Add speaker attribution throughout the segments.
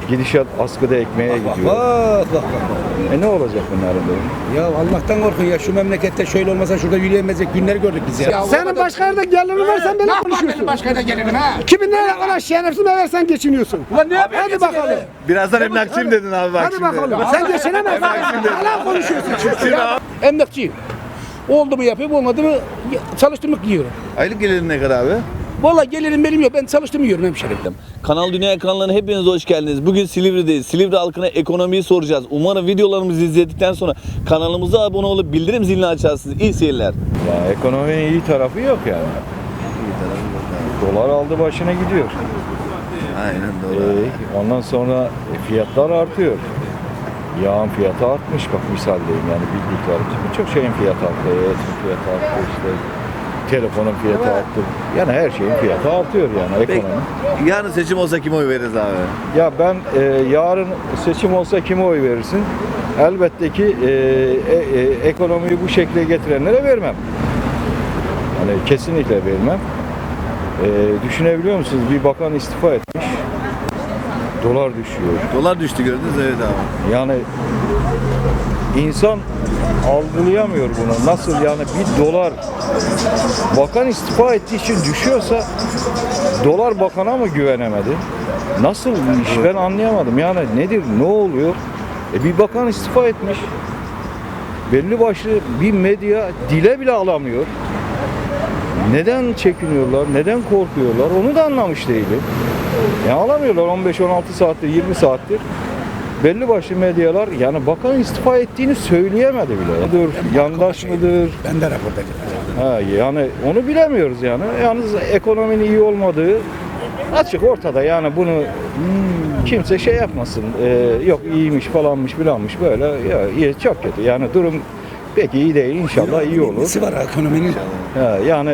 Speaker 1: Gidişat askıda ekmeğe gidiyor.
Speaker 2: Bak.
Speaker 1: Ne olacak bunların durumu?
Speaker 2: Ya Allah'tan korkun ya, şu memlekette şöyle olmasa şurada yürüyemezdik günler gördük biz ya.
Speaker 3: Senin başka yerde gelirin var, sen böyle konuşuyorsun.
Speaker 2: Başka yerde gelirim ha.
Speaker 3: Kimin ne ona şerefsiz versen geçiniyorsun.
Speaker 2: Ulan ne yapayım?
Speaker 3: Hadi bakalım.
Speaker 1: Birazdan emlakçıyım dedin abi bak
Speaker 3: Hadi
Speaker 1: şimdi.
Speaker 3: bakalım. Sen geçinemezsin. Hala konuşuyorsun.
Speaker 2: Emlakçıyım. Oldu mu yapıyorum, olmadı mı çalıştırmak yiyorum.
Speaker 1: Aylık gelirin ne kadar abi?
Speaker 2: Vallahi gelirim benim yok, ben çalıştım yiyorum hemşerim.
Speaker 4: Kanal Dünya ekranlarına hepiniz hoş geldiniz. Bugün Silivri'deyiz. Silivri halkına ekonomiyi soracağız. Umarım videolarımızı izledikten sonra kanalımıza abone olup bildirim zilini açarsınız. İyi seyirler.
Speaker 1: Ya ekonominin iyi tarafı yok yani. Dolar aldı başına gidiyor.
Speaker 4: Aynen doğru.
Speaker 1: Ondan sonra fiyatlar artıyor. Yağın fiyatı artmış, bak misaldeyim yani bildiklerim. Birçok şeyin fiyatı arttı, etin fiyatı arttı, işte telefonun fiyatı arttı. Yani her şeyin fiyatı artıyor yani ekonomi.
Speaker 4: Yarın seçim olsa kime oy veririz abi?
Speaker 1: Ya ben yarın seçim olsa kime oy verirsin? Elbette ki ekonomiyi bu şekle getirenlere vermem. Hani kesinlikle vermem. Düşünebiliyor musunuz? Bir bakan istifa etmiş. Dolar düşüyor.
Speaker 4: Dolar düştü gördünüz evet abi.
Speaker 1: Yani insan algılayamıyor bunu. Nasıl yani bir dolar bakan istifa ettiği için düşüyorsa dolar bakana mı güvenemedi? Nasıl bir iş ben anlayamadım. Yani nedir? Ne oluyor? Bir bakan istifa etmiş. Belli başlı bir medya dile bile alamıyor. Neden çekiniyorlar? Neden korkuyorlar? Onu da anlamış değilim. Ya alamıyorlar 15-16 saattir, 20 saattir. Belli başlı medyalar yani bakan istifa ettiğini söyleyemedi bile. Yandaş mıdır?
Speaker 2: Ben de raporda
Speaker 1: Yani onu bilemiyoruz yani. Yalnız ekonominin iyi olmadığı açık ortada. Yani bunu kimse şey yapmasın. Yok iyiymiş falanmış filanmış böyle. Ya, iyi, çok kötü. Yani durum pek iyi değil. İnşallah iyi olur.
Speaker 2: Nesi var ekonominin?
Speaker 1: Yani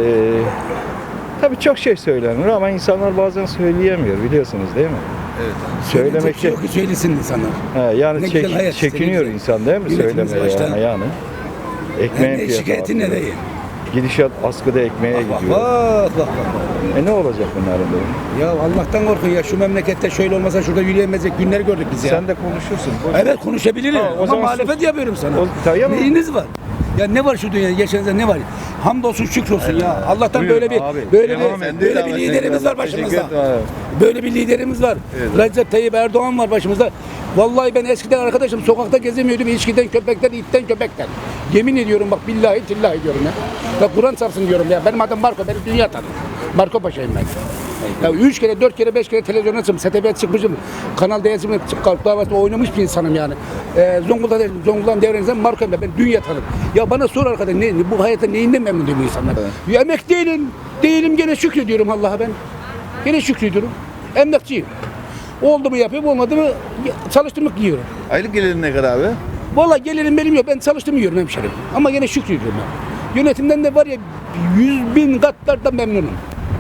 Speaker 1: tabii çok şey söylenir ama insanlar bazen söyleyemiyor biliyorsunuz değil mi?
Speaker 4: Evet.
Speaker 1: Söylemek
Speaker 2: yok ki söylesin insanlar.
Speaker 1: yani
Speaker 2: Ne güzel hayat işte,
Speaker 1: çekiniyor
Speaker 2: ne güzel.
Speaker 1: insan değil mi
Speaker 2: Milletimiz
Speaker 1: söylemeye
Speaker 2: başta.
Speaker 1: yani. Ekmeğin
Speaker 2: Ne
Speaker 1: fiyatı
Speaker 2: şikayetin ne
Speaker 1: artıyor.
Speaker 2: değil?
Speaker 1: Gidişat askıda ekmeğe gidiyor.
Speaker 2: Bak.
Speaker 1: Ne olacak bunların durumu?
Speaker 2: Ya Allah'tan korkun ya, şu memlekette şöyle olmasa şurada yürüyemezdik günler gördük biz ya.
Speaker 1: Sen de konuşursun.
Speaker 2: Evet konuşabilirim
Speaker 1: Ha, o
Speaker 2: ama
Speaker 1: zaman
Speaker 2: muhalefet
Speaker 1: sus.
Speaker 2: yapıyorum sana.
Speaker 1: Tamam.
Speaker 2: Neyiniz var? Ya ne var şu dünyada, yaşanacak ne var? Hamdolsun şükrolsun ya. Allah'tan
Speaker 1: Buyur
Speaker 2: böyle bir
Speaker 1: abi.
Speaker 2: böyle
Speaker 1: Devam
Speaker 2: bir
Speaker 1: et.
Speaker 2: böyle
Speaker 1: Devam
Speaker 2: bir
Speaker 1: et.
Speaker 2: liderimiz var
Speaker 1: Teşekkür
Speaker 2: başımızda.
Speaker 1: ederim.
Speaker 2: Böyle bir liderimiz var. Recep Tayyip Erdoğan var başımızda. Vallahi ben eskiden arkadaşım sokakta gezemiyordum içkiden, köpekten, itten, köpekten. Yemin ediyorum bak billahi tillahi diyorum ya. Ya Kur'an çarpsın diyorum ya. Benim adım Marco, benim dünya tanım. Marco Paşa'yım ben. Ya 3 kere, 4 kere, 5 kere televizyona çıktım, STV'ye çıkmışım. Kanal D'ye Kalk Davası'nda oynamış bir insanım yani. Zonguldak'ın devrenizden Marco'yum ben dünya tanım. Ya bana sor arkadaş bu hayatta neyinden memnun değil bu insanlar? Ya emek değilim gene şükrediyorum Allah'a ben. Gene şükrediyorum. Emlakçıyım. Oldu mu yapıyorum, olmadı mı çalıştırmak yiyorum.
Speaker 4: Aylık gelirin ne kadar abi?
Speaker 2: Vallahi gelirim benim yok, ben çalıştım yiyorum hemşerim. Ama gene şükrediyorum ben. Yönetimden de var ya 100.000 katlardan memnunum.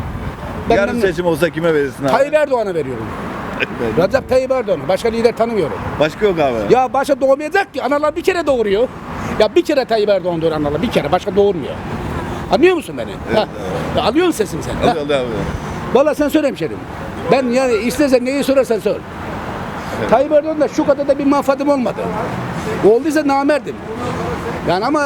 Speaker 2: Ben
Speaker 4: Yarın
Speaker 2: memnunum.
Speaker 4: seçim olsa kime verirsin abi?
Speaker 2: Tayyip Erdoğan'a veriyorum. Recep Tayyip Erdoğan'a. Başka lider tanımıyorum.
Speaker 4: Başka yok abi.
Speaker 2: Ya başka doğmayacak ki. Analar bir kere doğuruyor. Ya bir kere Tayyip Erdoğan doğuruyor analar. Bir kere. Başka doğurmuyor. Anlıyor musun beni?
Speaker 4: Evet,
Speaker 2: Ya alıyor musun sesini sen? Ha?
Speaker 4: Hadi abi.
Speaker 2: Vallahi sen söyle hemşerim. Ben yani istersen neyi sorarsan sor. Tayyip Erdoğan'da şu kadar da bir manfaatim olmadı. Olduysa namerdim. Yani ama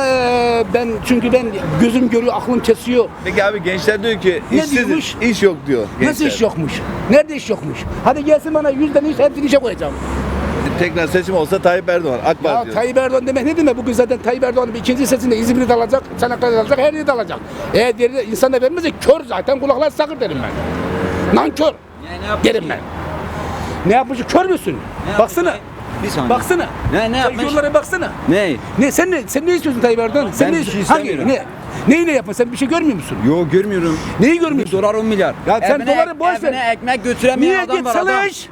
Speaker 2: çünkü ben gözüm görüyor, aklım kesiyor.
Speaker 4: Peki abi gençler diyor ki
Speaker 2: Ne
Speaker 4: işsiz,
Speaker 2: diyormuş?
Speaker 4: iş yok diyor. Gençler.
Speaker 2: Nasıl iş yokmuş? Nerede iş yokmuş? Hadi gelsin bana 100'den iş hepsini işe koyacağım.
Speaker 4: Tekrar seçim olsa Tayyip Erdoğan, AK
Speaker 2: Ya
Speaker 4: Parti diyor.
Speaker 2: Tayyip Erdoğan demek ne demek? Bugün zaten Tayyip Erdoğan'ın bir ikinci sesinde İzmir'i de alacak, Çanakkale'de alacak, her yeri de alacak. Eğer diğeri de insan da vermezse kör zaten, kulaklar sakır derim ben. Nankör derim ben. Ne yapmış? Kör müsün? Baksana.
Speaker 5: Bir saniye.
Speaker 2: Baksana.
Speaker 5: Ne yapmış?
Speaker 2: Yollara baksana.
Speaker 5: Ne?
Speaker 2: Sen ne istiyorsun Tayyip Erdoğan? Sen
Speaker 5: Ben
Speaker 2: ne
Speaker 5: bir şey
Speaker 2: istiyorsun?
Speaker 5: istemiyorum.
Speaker 2: Neyi ne yapma? Sen bir şey görmüyor musun?
Speaker 5: Yok görmüyorum.
Speaker 2: Neyi görmüyorsun?
Speaker 5: Dolar 10 milyar.
Speaker 2: Ya sen doları boş ver.
Speaker 5: Evine ekmek götüremeyen
Speaker 2: Niye
Speaker 5: adam
Speaker 2: git
Speaker 5: var adam.
Speaker 2: çalış?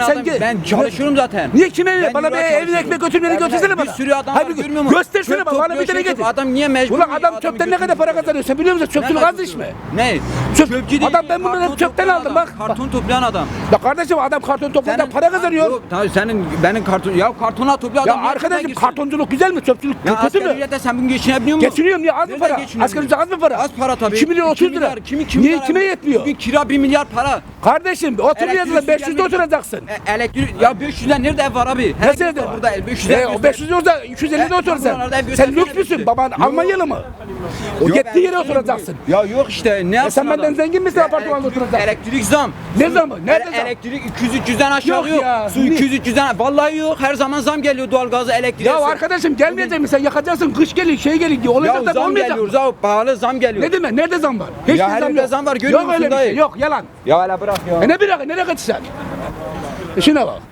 Speaker 5: Ben çalışıyorum zaten.
Speaker 2: Niye kime
Speaker 5: Ben
Speaker 2: bana bir
Speaker 5: yıllar
Speaker 2: evine
Speaker 5: çalışıyorum.
Speaker 2: ekmek götürmeni
Speaker 5: Evine
Speaker 2: götürsene bana.
Speaker 5: Bir sürü adam var
Speaker 2: Hayır,
Speaker 5: görmüyor musun?
Speaker 2: göstersene
Speaker 5: Çöp
Speaker 2: bana bir
Speaker 5: topluyor,
Speaker 2: tane
Speaker 5: şey
Speaker 2: getir.
Speaker 5: Adam niye mecbur?
Speaker 2: Ulan adam çöpten ne kadar para kazanıyor sen biliyor musun? Çöpçülük az iş mi?
Speaker 5: Ne?
Speaker 2: Çöp-
Speaker 5: Çöpçü değil.
Speaker 2: Adam ben bunları
Speaker 5: karton
Speaker 2: çöpten
Speaker 5: toplayan
Speaker 2: aldım,
Speaker 5: adam.
Speaker 2: bak.
Speaker 5: Karton toplayan adam.
Speaker 2: Ya kardeşim adam karton topladan para kazanıyor.
Speaker 5: Yok, tamam benim karton ya kartona toplayan
Speaker 2: Ya
Speaker 5: adam. niye
Speaker 2: arkadaşım
Speaker 5: çöpe girsin?
Speaker 2: kartonculuk güzel mi? Çöpçülük
Speaker 5: Ya
Speaker 2: kötü
Speaker 5: asgari
Speaker 2: mü?
Speaker 5: ücretle sen bugün geçinebiliyor musun?
Speaker 2: Geçiniyorum ya az mı
Speaker 5: Nereden
Speaker 2: para?
Speaker 5: geçiniyorsun?
Speaker 2: Asgari ücret az mı para?
Speaker 5: Az para tabii.
Speaker 2: 2 milyon 30 lira.
Speaker 5: Kimi
Speaker 2: Niye
Speaker 5: milyar?
Speaker 2: kime yetmiyor?
Speaker 5: Bugün kira 1 milyar para.
Speaker 2: Kardeşim otur
Speaker 5: Elektriği
Speaker 2: yazıda
Speaker 5: su
Speaker 2: 500 de
Speaker 5: gelmiyor.
Speaker 2: oturacak. oturacaksın.
Speaker 5: Elektrik ya 500'den nerede ev var abi?
Speaker 2: Nasıl evde?
Speaker 5: Burada 500'den.
Speaker 2: O 500 yoksa 250'de otur sen.
Speaker 5: buralarda ev
Speaker 2: Sen
Speaker 5: gösteriyor
Speaker 2: lüks müsün?
Speaker 5: musun?
Speaker 2: Baban Almanyalı mı? O gittiği yere oturacaksın.
Speaker 5: Ya yok işte ne yapsın
Speaker 2: sen benden
Speaker 5: adam?
Speaker 2: zengin misin, apartmanda oturacaksın?
Speaker 5: Elektrik zam.
Speaker 2: Ne zaman? Nerede zam?
Speaker 5: Elektrik 200-300'den aşağı
Speaker 2: Yok
Speaker 5: yok.
Speaker 2: ya.
Speaker 5: Su 200-300'den. Vallahi yok. Her zaman zam geliyor doğalgaza, elektriğe.
Speaker 2: Ya arkadaşım gelmeyecek mi sen? Yakacaksın, kış gelir, şey gelir diye. Olacak
Speaker 5: Ya
Speaker 2: da
Speaker 5: zam
Speaker 2: olmayacak.
Speaker 5: geliyor. Zam pahalı zam geliyor.
Speaker 2: Ne demek? Nerede zam var? Hiç
Speaker 5: Ya
Speaker 2: bir
Speaker 5: her
Speaker 2: zam
Speaker 5: yerde
Speaker 2: yok.
Speaker 5: zam var, görüyor
Speaker 2: Yok öyle
Speaker 5: musun
Speaker 2: bir şey.
Speaker 5: dayı?
Speaker 2: Yok yalan.
Speaker 5: Ya hele bırak ya.
Speaker 2: Ne bırak? Nereye kaçtın sen? Şuna bak.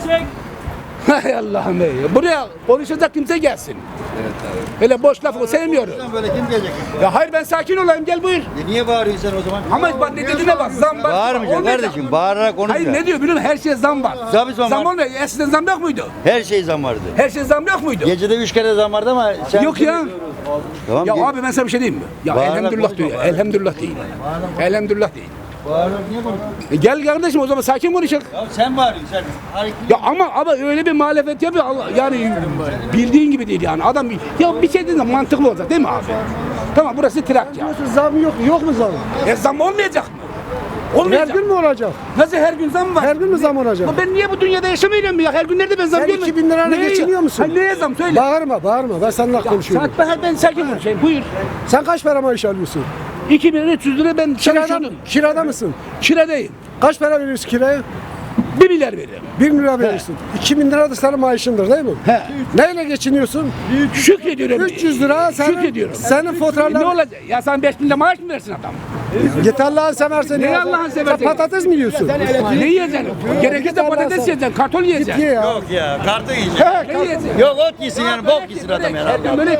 Speaker 2: Hay Allah'ım ey. Buraya konuşacak kimse gelsin. Evet abi. Öyle boş lafı sevmiyorum.
Speaker 6: Böyle kim gelecek?
Speaker 2: Ya hayır ben sakin olayım gel buyur.
Speaker 6: Niye bağırıyorsun sen o zaman?
Speaker 2: Ama bak ne dediğine bak zam var.
Speaker 6: Bağırmayacaksın
Speaker 2: olmayacak.
Speaker 6: kardeşim. Bağırarak konuş.
Speaker 2: Hayır ne diyor biliyor musun? Her şeye zam var.
Speaker 6: Tabii zam var.
Speaker 2: olmuyor. Eskiden zam yok muydu?
Speaker 6: Her şey zam vardı.
Speaker 2: Her şeye zam yok muydu?
Speaker 6: Gecede 3 kere zam vardı ama sen...
Speaker 2: Yok ya.
Speaker 6: Tamam.
Speaker 2: Ya abi ben sana bir şey diyeyim mi? Ya
Speaker 6: Bağırarak
Speaker 2: elhamdülillah
Speaker 6: konuşma,
Speaker 2: diyor. Elhamdülillah değil. Elhamdülillah değil.
Speaker 6: Bağırarak niye konuşuyorsun?
Speaker 2: Gel kardeşim o zaman sakin konuşalım.
Speaker 6: Ya sen bağırıyorsun sen.
Speaker 2: Ya ama öyle bir muhalefet yapıyor Allah, yani bildiğin gibi değil yani adam ya bir şey dediğinde mantıklı olacak değil mi abi? Tamam burası Trakya.
Speaker 3: Zam yok mu zam?
Speaker 2: Zam olmayacak mı?
Speaker 3: Her
Speaker 2: Olmayacak.
Speaker 3: gün mü olacak?
Speaker 2: Nasıl her gün zam var?
Speaker 3: Her gün mü zam olacak?
Speaker 2: Ama ben niye bu dünyada yaşamıyorum ya? Her gün nerede ben zam
Speaker 3: Sen
Speaker 2: görmüyorum?
Speaker 3: 2000 lirayla
Speaker 2: Neye-
Speaker 3: geçiniyor musun?
Speaker 2: Hayır neye zam söyle.
Speaker 3: Bağırma. Ben seninle konuşuyorum.
Speaker 2: Saat ben sakin konuşayım. Buyur.
Speaker 3: Sen kaç para maaş alıyorsun?
Speaker 2: 2300 lira ben çalışıyordum.
Speaker 3: Kirada mısın?
Speaker 2: Kiradayım.
Speaker 3: Kaç para veriyorsun kiraya?
Speaker 2: 1 milyar veririm.
Speaker 3: 1 lira veriyorsun. 2000 lira da senin maaşındır değil mi?
Speaker 2: He.
Speaker 3: Neyle geçiniyorsun?
Speaker 2: Şükrediyorum.
Speaker 3: 300 lira
Speaker 2: Şükrediyorum.
Speaker 3: senin
Speaker 2: Ne
Speaker 3: faturalar...
Speaker 2: olacak? Ya sen 5000 lira maaş mı versin adam?
Speaker 3: Git Allah'ını seversen.
Speaker 2: Ne
Speaker 3: ya.
Speaker 2: Allah'ını seversen?
Speaker 3: Sen patates mi yiyorsun?
Speaker 2: Ne yiyeceksin? Gerekirse
Speaker 3: Allah'ın
Speaker 2: patates
Speaker 3: sen-
Speaker 2: yiyeceksin, kartol
Speaker 3: Git
Speaker 2: yiyeceksin.
Speaker 3: ye ya.
Speaker 6: Yok ya kartı yiyecek.
Speaker 2: Ne yiyeceksin?
Speaker 6: Yok ot yesin yani bok yesin adam ya.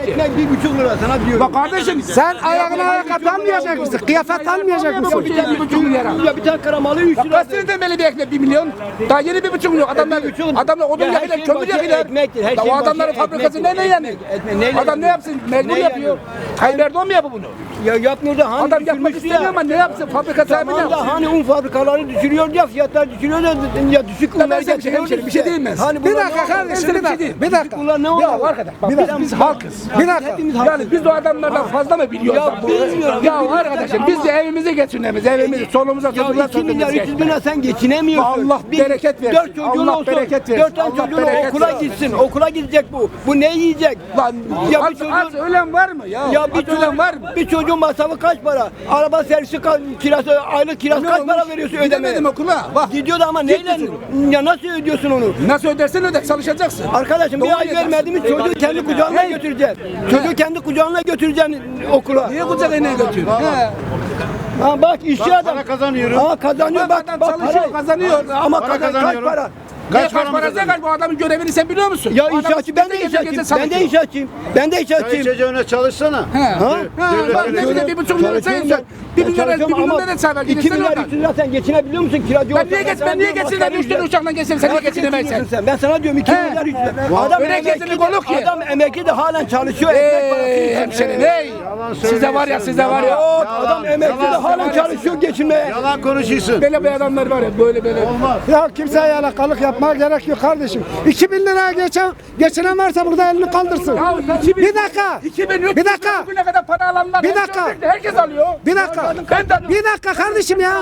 Speaker 2: Bak kardeşim
Speaker 3: Sen ayağına ayakkabı almayacak mısın? Kıyafet almayacak mısın?
Speaker 2: bir tane 1,5 milyara.
Speaker 7: Ya bir tane karamalı 3
Speaker 2: Bak
Speaker 7: lira.
Speaker 2: kaç seneden beri bir ekmek 1 milyon? Daha yeni 1,5 milyon. Adamlar odun
Speaker 7: Ya her
Speaker 2: yakıyorlar,
Speaker 7: şeyin
Speaker 2: kömür
Speaker 7: başı
Speaker 2: yakıyorlar.
Speaker 7: ekmektir, her
Speaker 2: Ya o
Speaker 7: şeyin
Speaker 2: adamların
Speaker 7: başı
Speaker 2: fabrikası
Speaker 7: ekmektir,
Speaker 2: ne yani?
Speaker 7: ekmek, neyle
Speaker 2: Adam ne yapsın? Mecbur
Speaker 7: Ne
Speaker 2: yapıyor. Tayyip Erdoğan mı yapıyor bunu?
Speaker 7: Ya yapmıyor da hani
Speaker 2: Adam yapmak
Speaker 7: düşürmüştü
Speaker 2: istemiyor ama ne yapsın? Fabrika sahibi ne
Speaker 7: Tamam da
Speaker 2: yapsın?
Speaker 7: hani un fabrikaları düşürüyor ya fiyatlar düşürüyor da ya düşük
Speaker 2: Ben
Speaker 7: unlar
Speaker 2: size bir şey-
Speaker 7: getiriyor
Speaker 2: bir şey diyeyim mi?
Speaker 7: Hani
Speaker 3: Bir
Speaker 7: bunlar
Speaker 3: dakika
Speaker 7: ne
Speaker 3: kardeşim
Speaker 2: Ben
Speaker 3: bir
Speaker 2: sana bir şey
Speaker 3: dakika.
Speaker 2: diyeyim.
Speaker 3: Bir dakika.
Speaker 7: Bunlar ne
Speaker 2: Ya
Speaker 7: oluyor?
Speaker 2: arkadaş bak biz halkız.
Speaker 3: Bir dakika.
Speaker 2: Yani biz o adamlardan fazla mı biliyoruz?
Speaker 7: Ya
Speaker 2: lan bu?
Speaker 7: bilmiyorum.
Speaker 2: Ya arkadaşım biz de evimizi geçinemiz. Evimizi solumuza
Speaker 7: Ya
Speaker 2: sözümüze
Speaker 7: 2 milyar 300 bin lira sen geçinemiyorsun.
Speaker 2: Allah bereket versin.
Speaker 7: 4 çocuğun
Speaker 2: Allah
Speaker 7: olsun.
Speaker 2: bereket versin.
Speaker 7: 4 tane
Speaker 2: Allah
Speaker 7: çocuğun
Speaker 2: bereket
Speaker 7: okula
Speaker 2: versin.
Speaker 7: gitsin. Okula gidecek bu. Bu ne yiyecek?
Speaker 2: Lan
Speaker 7: Ya bir
Speaker 2: az,
Speaker 7: çocuğun-
Speaker 2: az ölen var mı ya?
Speaker 7: Ya
Speaker 2: Az ölen var mı?
Speaker 7: bir çocuğun masrafı kaç para? Araba servisi kirası, aylık kirası
Speaker 2: Ne
Speaker 7: kaç
Speaker 2: olmuş?
Speaker 7: para veriyorsun ödemeye?
Speaker 2: Gidemedim okula. Bak.
Speaker 7: Gidiyordu ama neyle? Ya nasıl ödüyorsun onu?
Speaker 2: Nasıl ödersen öde çalışacaksın.
Speaker 7: Arkadaşım bir ay vermediğimiz çocuğu kendi kucağına götüreceksin. Çocuğu kendi kucağına götüreceksin okula.
Speaker 2: Niye kucağına götürüyor? He.
Speaker 7: Ha bak işçi adam.
Speaker 6: Para kazanıyorum.
Speaker 7: Ha kazanıyor
Speaker 2: Bak
Speaker 7: bak.
Speaker 2: adam
Speaker 7: Bak
Speaker 2: çalışıyor,
Speaker 7: para.
Speaker 2: kazanıyor.
Speaker 7: Ama
Speaker 6: Para
Speaker 7: kaç
Speaker 6: kazanıyorum.
Speaker 7: para?
Speaker 2: Kaç parası kaç bu adamın görevini sen biliyor musun?
Speaker 7: Ya
Speaker 2: Bu adam
Speaker 7: inşaatçı ben de
Speaker 2: gece
Speaker 7: inşaatçıyım.
Speaker 2: gece
Speaker 7: Ben de
Speaker 2: çalışıyor.
Speaker 7: inşaatçıyım. Ben de inşaatçıyım.
Speaker 6: Çocuğuna çalışsana.
Speaker 2: He.
Speaker 7: Ha?
Speaker 2: Bak ne bileyim 1,5 milyon sayıyorsun. 1 milyon ne sayar?
Speaker 7: 2 milyar 300 lira sen geçinebiliyor musun kiracı
Speaker 2: Ben niye geçsin müşteri uçaktan geçsin sen niye geçinemezsin?
Speaker 7: Ben sana diyorum 2
Speaker 2: He.
Speaker 7: milyar 300 lira. Adam
Speaker 2: Öyle
Speaker 7: emekli
Speaker 2: kesinlik
Speaker 7: de-
Speaker 2: olur ki.
Speaker 7: Adam emekli de halen çalışıyor. Ekmek parası
Speaker 2: Ey
Speaker 7: yiyor.
Speaker 2: hemşerim ey. Size var ya size var ya.
Speaker 7: Yok adam emekli de halen çalışıyor geçinmeye.
Speaker 6: Yalan konuşuyorsun.
Speaker 2: Böyle bir adamlar var ya böyle.
Speaker 3: Ya kimseye yalakalık yapmaya gerek yok kardeşim. 2000 liraya geçinen varsa burada elini kaldırsın.
Speaker 2: Ya 2000
Speaker 3: Bir dakika.
Speaker 2: 2300
Speaker 3: Bir dakika.
Speaker 2: bugüne kadar para alanlar.
Speaker 3: Bir
Speaker 2: hep
Speaker 3: dakika.
Speaker 2: gördük de Herkes alıyor.
Speaker 3: Bir dakika.
Speaker 2: Ben de alıyorum.
Speaker 3: Bir dakika kardeşim ya.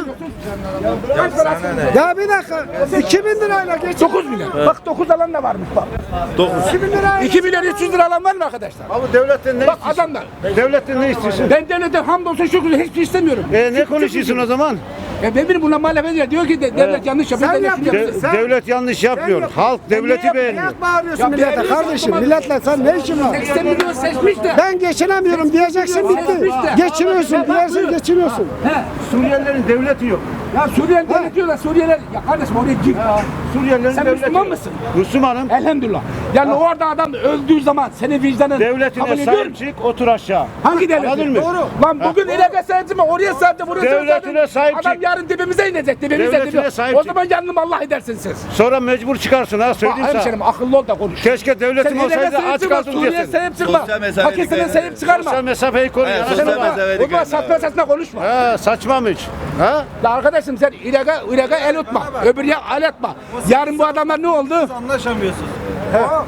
Speaker 2: Kaç parası?
Speaker 3: Ya bir dakika. 2000 lirayla geçin.
Speaker 2: 9 milyon. Bak 9 alan da varmış bak.
Speaker 3: 2000 lirayla.
Speaker 2: 2 milyon 300 lira alan var mı arkadaşlar?
Speaker 6: Abi devletten ne
Speaker 2: Bak
Speaker 6: istiyorsun?
Speaker 2: adamlar.
Speaker 6: Devletten ne istiyorsun?
Speaker 2: Ben devlete hamdolsun şükür hiçbir şey istemiyorum.
Speaker 6: Ne konuşuyorsun o zaman?
Speaker 2: Ben benim buna muhalefet ediyor. Diyor ki devlet yanlış yapıyor.
Speaker 3: Sen
Speaker 2: devlet şunu
Speaker 3: yapıyorsun.
Speaker 2: yapıyor.
Speaker 3: Sen-
Speaker 6: Devlet yanlış yapmıyor. Halk devleti beğenmiyor.
Speaker 3: Niye bağırıyorsun
Speaker 2: Ya
Speaker 3: millete
Speaker 2: beğeniyorsun
Speaker 3: kardeşim?
Speaker 2: ama-
Speaker 3: Milletle sen ne işin var?
Speaker 2: 80 milyon seçmiş de.
Speaker 3: Ben geçinemiyorum diyeceksin bitti. Geçiniyorsun diyersin geçiniyorsun.
Speaker 2: He.
Speaker 6: Suriyelilerin devleti yok.
Speaker 2: Ya Suriyeli devlet diyorlar Suriyeliler. Ya kardeşim oraya git.
Speaker 6: Suriyelilerin
Speaker 2: Sen
Speaker 6: devleti
Speaker 2: Müslüman
Speaker 6: yok.
Speaker 2: mısın?
Speaker 6: Müslümanım.
Speaker 2: Elhamdülillah. Yani orada adam öldüğü zaman senin vicdanın kabul
Speaker 6: Devletine
Speaker 2: ediyor mu?
Speaker 6: sahip çık, otur aşağı.
Speaker 2: Hangi devlet?
Speaker 6: Anladın mı?
Speaker 2: Doğru. Lan bugün ilaka sahipsin mi? Oraya sahipsin, buraya
Speaker 6: Devletine
Speaker 2: sahipsin.
Speaker 6: sahip
Speaker 2: Adam
Speaker 6: çık.
Speaker 2: yarın dibimize inecek, dibimize
Speaker 6: Devletine
Speaker 2: diyor.
Speaker 6: sahip
Speaker 2: O
Speaker 6: çık.
Speaker 2: zaman yandım Allah edersin siz.
Speaker 6: Sonra mecbur çıkarsın ha
Speaker 2: Bak
Speaker 6: söyleyeyim sana.
Speaker 2: hemşerim akıllı ol da konuş.
Speaker 6: Keşke devletim
Speaker 2: Sen
Speaker 6: olsaydı
Speaker 2: ilaka
Speaker 6: aç
Speaker 2: çıkma,
Speaker 6: kaldım
Speaker 2: Suriye
Speaker 6: diyesin.
Speaker 2: sahip çıkma.
Speaker 4: Sosyal mesafe
Speaker 2: Pakistan'a
Speaker 4: dikkat
Speaker 2: sahip
Speaker 4: edin.
Speaker 2: çıkarma.
Speaker 6: Sosyal mesafeyi koru.
Speaker 4: Evet,
Speaker 6: ya.
Speaker 4: sosyal
Speaker 2: Sen o
Speaker 4: mesafe
Speaker 2: zaman satma esasına konuşma.
Speaker 6: Ha, saçma mı hiç? Ha?
Speaker 2: Ya arkadaşım sen ilaka el tutma. Öbür ya el atma. Yarın bu adamlar ne oldu?
Speaker 6: Anlaşamıyorsunuz.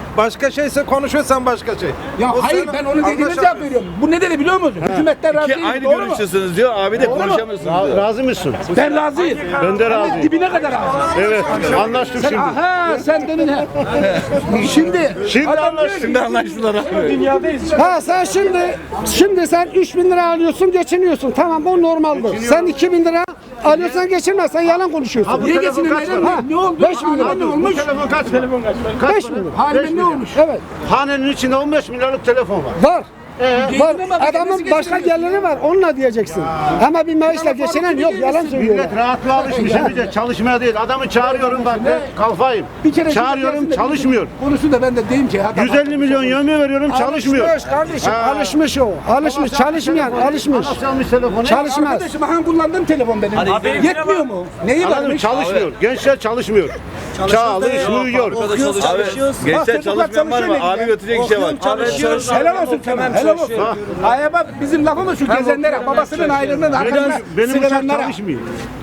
Speaker 8: Başka şeyse konuşuyorsan başka şey.
Speaker 2: Ya
Speaker 8: O
Speaker 2: hayır
Speaker 8: sen
Speaker 2: ben onun dediğine
Speaker 8: anlaşamıyorsun.
Speaker 2: cevap veriyorum. Bu ne dedi biliyor musun? Hükümetten razı
Speaker 4: Ki
Speaker 2: değiliz.
Speaker 4: aynı
Speaker 2: Doğru mu?
Speaker 4: görüştesiniz diyor. Abi de konuşamıyorsunuz diyor.
Speaker 6: Razı mısın?
Speaker 2: Ben razıyım.
Speaker 6: Ben de razıyım.
Speaker 2: Dibine kadar razıyım.
Speaker 6: Evet. Anlaştık
Speaker 2: Sen,
Speaker 6: şimdi.
Speaker 2: aha sen demin he. Şimdi
Speaker 6: Şimdi
Speaker 2: adam
Speaker 6: anlaştık.
Speaker 2: diyor ki,
Speaker 4: Anlaştılar abi.
Speaker 3: Ha sen şimdi sen 3000 lira alıyorsun geçiniyorsun. Tamam bu normaldir. Sen 2000 lira alıyorsan geçinmezsen yalan konuşuyorsun.
Speaker 2: niye geçinemedin?
Speaker 3: Ha,
Speaker 2: Ne oldu?
Speaker 3: 5 bin lira.
Speaker 2: Halime ne olmuş?
Speaker 6: Telefon kaç? Telefon kaç?
Speaker 3: 5 bin lira.
Speaker 2: Halime ne olmuş?
Speaker 3: Evet.
Speaker 6: Hanenin içinde 15 milyarlık telefon var.
Speaker 3: Var. Var.
Speaker 2: Geçinemez,
Speaker 3: Adamın
Speaker 2: nasıl
Speaker 3: başka
Speaker 2: geçinemez?
Speaker 3: geliri var. Onunla diyeceksin. Ama bir maaşla geçinen yok. Yalan söylüyorlar.
Speaker 6: Millet rahatlığa alışmış. Emice çalışmaya değil. Adamı çağırıyorum bak. Kalfayım.
Speaker 2: Bir kere
Speaker 6: Çağırıyorum çalışmıyor.
Speaker 2: Konusu da ben de diyeyim ki.
Speaker 6: 150 milyon yövme veriyorum çalışmıyor.
Speaker 3: Alışmış kardeşim.
Speaker 6: Ha.
Speaker 3: Alışmış o. Alışmış. Çalışmayan alışmış.
Speaker 6: Nasıl almış telefonu?
Speaker 3: Çalışmaz.
Speaker 2: Arkadaşım han kullandığım telefon benim. Yetmiyor mu? Neyi
Speaker 6: Anladın mı?
Speaker 2: varmış?
Speaker 6: Çalışmıyor. Gençler çalışmıyor. Çalışmıyor.
Speaker 4: Abi gençler çalışmayan var mı? Abi götürecek şey var.
Speaker 2: Helal olsun Kemal. Helal olsun. Ay bak bizim lafımız şu gezenlere, babasının aylığının arkasına
Speaker 6: Benim uçak
Speaker 2: sığınanlara.
Speaker 6: çalışmıyor.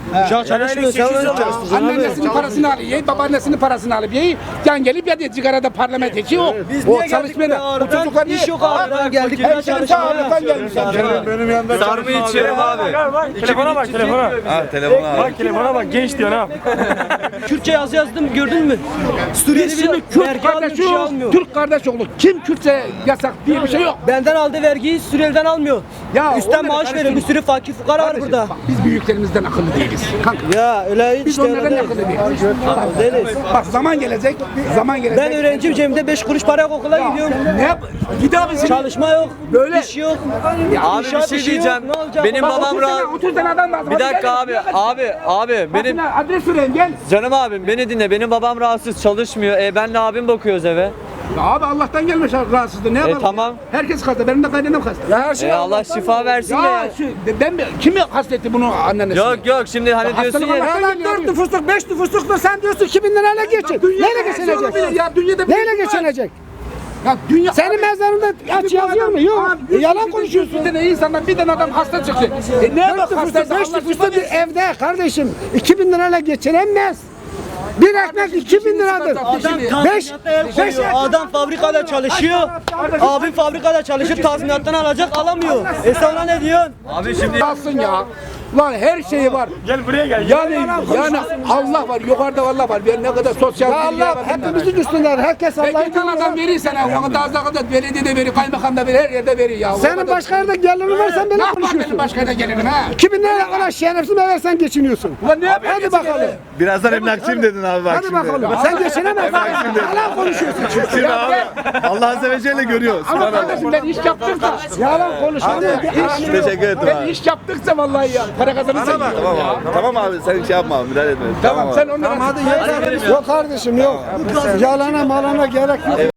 Speaker 2: Anneannesinin parasını alıyor, babaannesinin parasını alıp yiyor. Yan gelip ya diye sigarada parlament içi yok. O çalışmayan o çocuklar iş yok abi.
Speaker 7: geldik.
Speaker 2: Hemşerim sağlıktan gelmişler.
Speaker 6: Benim yanımda
Speaker 4: Sarma içerim abi.
Speaker 8: Telefona bak telefona.
Speaker 4: Ha telefonu abi.
Speaker 8: Bak telefona bak genç diyor ha.
Speaker 7: Kürtçe yazdım gördün mü? Suriyeli
Speaker 2: Biz şimdi
Speaker 7: bir
Speaker 2: Kürt
Speaker 7: vergi almıyor, bir şey
Speaker 2: kardeşi,
Speaker 7: almıyor.
Speaker 2: Türk kardeş oğlu. Kim Kürtse yasak diye bir şey yok.
Speaker 7: Benden aldığı vergiyi Suriyeli'den almıyor.
Speaker 2: Ya
Speaker 7: Üstten
Speaker 2: onları
Speaker 7: maaş veriyor. Bir sürü fakir fukara var
Speaker 2: Kardeşim,
Speaker 7: burada.
Speaker 2: bak, biz büyüklerimizden akıllı değiliz. Kanka.
Speaker 7: Ya öyle hiç
Speaker 2: Biz onlardan akıllı değiliz.
Speaker 7: değiliz.
Speaker 2: Bak zaman gelecek, zaman gelecek.
Speaker 7: Ben öğrenciyim, cebimde 5 kuruş para yok, okula gidiyorum.
Speaker 2: Ne yap? Git abi şimdi.
Speaker 7: Çalışma yok,
Speaker 2: Böyle.
Speaker 7: iş yok.
Speaker 9: Abi bir
Speaker 7: İnşaat
Speaker 9: şey
Speaker 7: işi yok,
Speaker 9: diyeceğim.
Speaker 7: ne olacak?
Speaker 9: Benim
Speaker 2: Bak,
Speaker 9: babam
Speaker 2: 30 tane,
Speaker 9: rahat.
Speaker 2: 30 tane adam lazım.
Speaker 9: Bir
Speaker 2: Hadi
Speaker 9: dakika
Speaker 2: gel,
Speaker 9: abi.
Speaker 2: gel.
Speaker 9: Abi benim
Speaker 2: Bakın, adres verin gel.
Speaker 9: canım abim beni dinle. Benim babam rahatsız çalışmıyor. Benle abim bakıyoruz eve.
Speaker 2: Ya abi Allah'tan gelmiş rahatsızlığı ne yapalım?
Speaker 9: tamam.
Speaker 2: Herkes hasta, benim de kaynanam hasta. Ya her şey
Speaker 9: Allah şifa versin de
Speaker 2: Ya
Speaker 9: ya.
Speaker 2: kimi hastetti bunu annesi?
Speaker 9: Yok şimdi hani diyorsun
Speaker 2: Hastalık
Speaker 9: ya.
Speaker 2: Allah'tan
Speaker 3: Lan
Speaker 2: geliyor.
Speaker 3: 4 nüfusluk 5 nüfusluk sen diyorsun 2000 lirayla geçin. Neyle geçinecek?
Speaker 2: Ya dünyada
Speaker 3: Neyle geçinecek?
Speaker 2: Ya dünya
Speaker 3: Senin mezarında aç yazıyor mu? Yok. Yalan konuşuyorsun.
Speaker 2: Bir tane insandan bir tane adam hasta çıktı. Ne
Speaker 3: 4
Speaker 2: bak
Speaker 3: nüfuslu
Speaker 2: hastaysa
Speaker 3: 5
Speaker 2: Allah
Speaker 3: nüfuslu
Speaker 2: şifa
Speaker 3: bir
Speaker 2: versin.
Speaker 3: evde kardeşim 2000 lirayla geçinemez. Bir ekmek 2000 liradır.
Speaker 7: Adam
Speaker 3: 5
Speaker 7: Adam fabrikada çalışıyor. Abim fabrikada çalışıp tazminattan alacak, alamıyor. Sen ona ne diyorsun?
Speaker 9: Abi şimdi
Speaker 2: Alsın ya. Lan her şeyi var.
Speaker 8: Gel buraya gel.
Speaker 2: Yani Allah var, yukarıda Allah var. Ben ne kadar sosyal
Speaker 3: Ya
Speaker 2: bilgiye
Speaker 3: Allah
Speaker 2: var.
Speaker 3: hepimizin üstünler. Herkes Allah'ın
Speaker 2: Peki tane adam verir sana. Onu da az da belediyede verir, kaymakam da verir, her yerde verir ya.
Speaker 3: Senin başka yerde gelirin varsa
Speaker 2: ne
Speaker 3: böyle
Speaker 2: yapar benim
Speaker 3: konuşuyorsun.
Speaker 2: başka yerde gelirim ha?
Speaker 3: 2000 liraya kadar şerefsiz versen geçiniyorsun.
Speaker 2: Ulan ne yapayım?
Speaker 3: Hadi bakalım.
Speaker 4: Birazdan emlakçıyım dedin abi bak
Speaker 3: Hadi
Speaker 4: şimdi.
Speaker 3: bakalım. Sen geçinemezsin. Yalan konuşuyorsun.
Speaker 4: Şimdi abi Allah azze ve celle görüyor.
Speaker 2: Ama kardeşim ben iş yaptıkça,
Speaker 3: Yalan konuşma.
Speaker 4: Teşekkür ederim
Speaker 2: ben
Speaker 4: abi.
Speaker 2: iş yaptıkça vallahi ya. Para kazanırsan
Speaker 4: Tamam abi. Tamam abi sen şey yapma müdahale etme.
Speaker 2: Tamam
Speaker 4: abi.
Speaker 2: sen onlara...
Speaker 3: Yok kardeşim yok. Yalana malana gerek yok.